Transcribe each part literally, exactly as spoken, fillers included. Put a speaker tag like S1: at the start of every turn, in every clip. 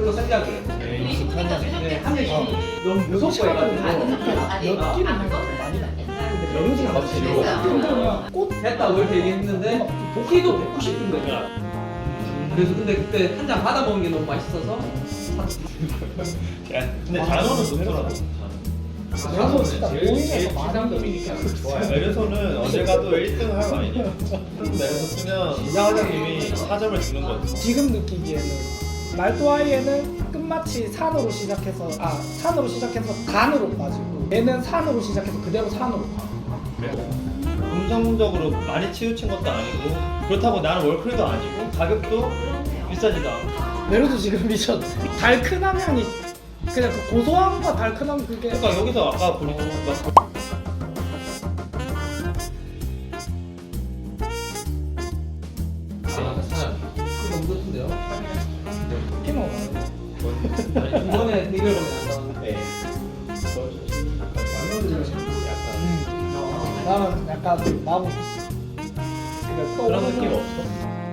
S1: 별로 생각이에요.
S2: 네, 익숙한 향.
S1: 네, 한 개씩 너무 무섭고 해가지고
S3: 느낌은 많이 나.
S1: 근데 메로디가 맞지. 꽃 됐다고 이렇게 얘기했는데 키도 백구십 준 거야. 그래서 근데 그때 한 잔 받아 먹은 게 너무 맛있어서
S2: 근데 단어는 높더라고.
S4: 메르소 진짜 모임에서 많이
S2: 좋아요. 메르소는 어딜 가도 일 등 할 와인이야. 메르소 쓰면 이사 과장님이 사 점을 주는 거지.
S4: 지금 느끼기에는 말도아이에는 끝마치 산으로 시작해서 아 산으로 시작해서 간으로 빠지고 얘는 산으로 시작해서 그대로 산으로 가.
S2: 음성적으로 많이 치우친 것도 아니고 그렇다고 나는 월클도 아니고 가격도 비싸지도 않고.
S4: 메르소 지금 미쳤 달큰한 향이 그냥 그 고소함과 달큰함 그게
S2: 그러니까 여기서 아까 보니까 막
S1: 너무 좋던데요?
S4: 피노
S1: 이번에 대결 보면 안 나오는데
S4: 나는 약간 마법 그냥
S2: 그런 느낌 없어?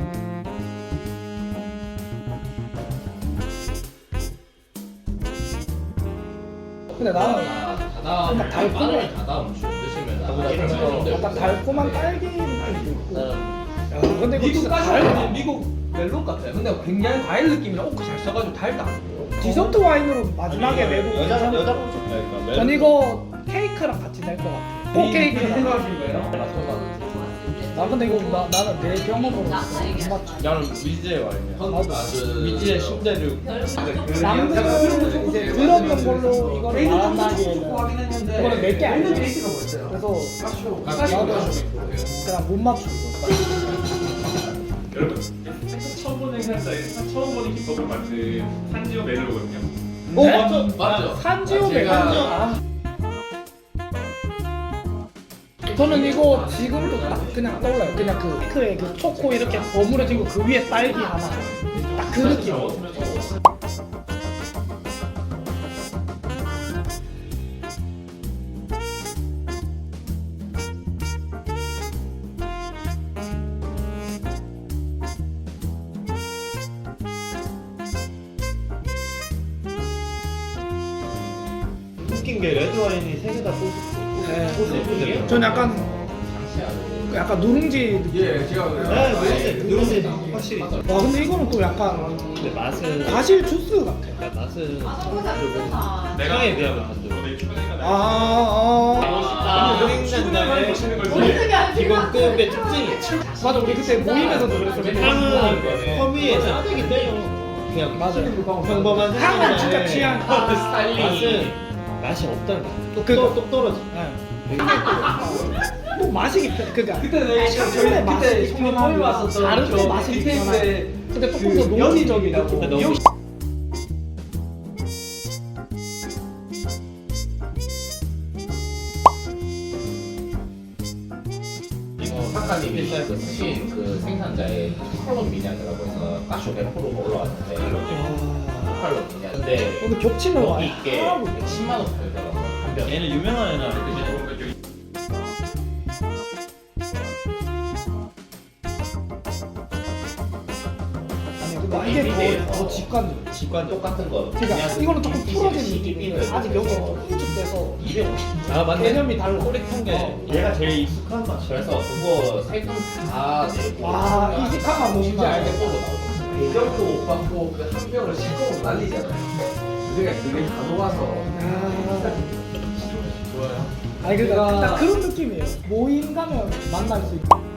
S4: 근데 나는
S5: 다다음
S4: 약간 달콤해.
S5: 다다음 주 드시면
S4: 어, 약간 달콤한 딸기 느낌도 있고 야, 근데 이거
S1: 미국
S4: 진짜
S1: 까지
S4: 달
S1: 미국 멜론 같아요. 근데 굉장히 과일 느낌이랑 오크 잘 써가지고 달다.
S4: 디저트 와인으로 마지막에 내고
S2: 여자
S4: 괜찮아.
S2: 여자 분좋다니까
S4: 전 이거 케이크랑 같이 낼 것 같아. 포 케이크랑.
S1: 생각하신 거예요?
S4: 나 근데 이거 나, 나는 내 경험으로 못 맞춰.
S2: 나는 위즈의 와인이야.
S5: 그
S2: 위즈의 신대륙.
S4: 남들은 들었던 걸로 이거를 말한다기에는 이거는 몇 개 아니야.
S1: 케이스가 뭐였어요?
S4: 그래서
S1: 나도
S4: 그냥 못 맞추고.
S6: 여러분, 처음 보는 생산자의 처음 보는 기법을 맡은 한지오 멜로거든요.
S4: 어
S2: 네?
S4: 맞죠?
S5: 맞죠?
S4: 산지오
S5: 제가-
S4: 메간지오. 아. 저는 이거 지금도 딱 그냥 떠올라요. 그냥 그 피크에 그 초코 이렇게 버무려진 거 그 위에 딸기 하나. 딱 그 느낌.
S2: 웃긴 게 레드 와인이 세 개 다 소스.
S4: 네.
S2: 소스 예쁘더라고요.
S4: 전 약간 약간 누룽지 느낌.
S1: 예, 제가
S2: 네, 누룽지 누룽지 확실히 있어.
S4: 와 근데 이거는 또 약간
S2: 근데 맛은
S4: 과실 주스 같아.
S2: 그러니까 맛은
S6: 내가
S2: 향에 비하면 단조.
S4: 아, 아,
S2: 아, 드링잔다의 기본급의 특징이
S4: 맞아 우리 그때 모임에서도 그랬어.
S2: 향은 허미에 싸대기 때려. 그냥
S4: 맞아요.
S2: 평범한
S4: 향은 진짜 취향.
S2: 맛은 맛이 없다는 거야. 똑,
S4: 그-
S2: 똑, 똑 떨어져.
S4: 네. 또 맛이 깊어. 그러니까
S1: 그때 내가
S4: 처음에 맛이
S1: 그때
S4: 깊긴
S1: 처음에
S4: 하고
S1: 왔었던
S4: 다른데
S1: 저
S4: 맛이 깊긴 하나.
S1: 디테일인데
S4: 근데 조금
S1: 그
S4: 더
S1: 연인적이라고.
S4: 노동적이라고.
S2: 너무
S5: 이거 작가님이 그 쓰신 그 생산자의 컬럼 미냐라고 해서 가쇼 백 퍼센트가 올라왔는데 컬럼 미냐. 근데
S4: 근데 겹치는
S5: 여기
S4: 와인
S5: 있게
S4: 하나도
S5: 백십만 원 팔더라고요 한 병.
S2: 얘는 유명한 애나
S4: 아니 근데 이게 더, 더 직관적.
S2: 직관
S5: 똑같은 거.
S4: 그러니까 이거는 조금 풀어진 느낌인데 아직 여기가 좀 일축돼서
S5: 이백오십.
S2: 아 맞네.
S4: 개념이 달라.
S2: 꼬릿한 게 얘가 제일 익숙한 맛이야.
S5: 그래서 그거 세금 다 내고.
S4: 와, 이직하면 뭔지
S5: 진짜
S4: 알겠다.
S5: 알게 나오고.
S1: 대전도 못 받고 그 한 병을 실컷 날리잖아요. 우리가 그게 다 녹아서
S4: 아,
S1: 좋아요.
S4: 아니 그러니까
S1: 제가-
S4: 딱 그런 느낌이에요. 모임 가면 만날 수 있고.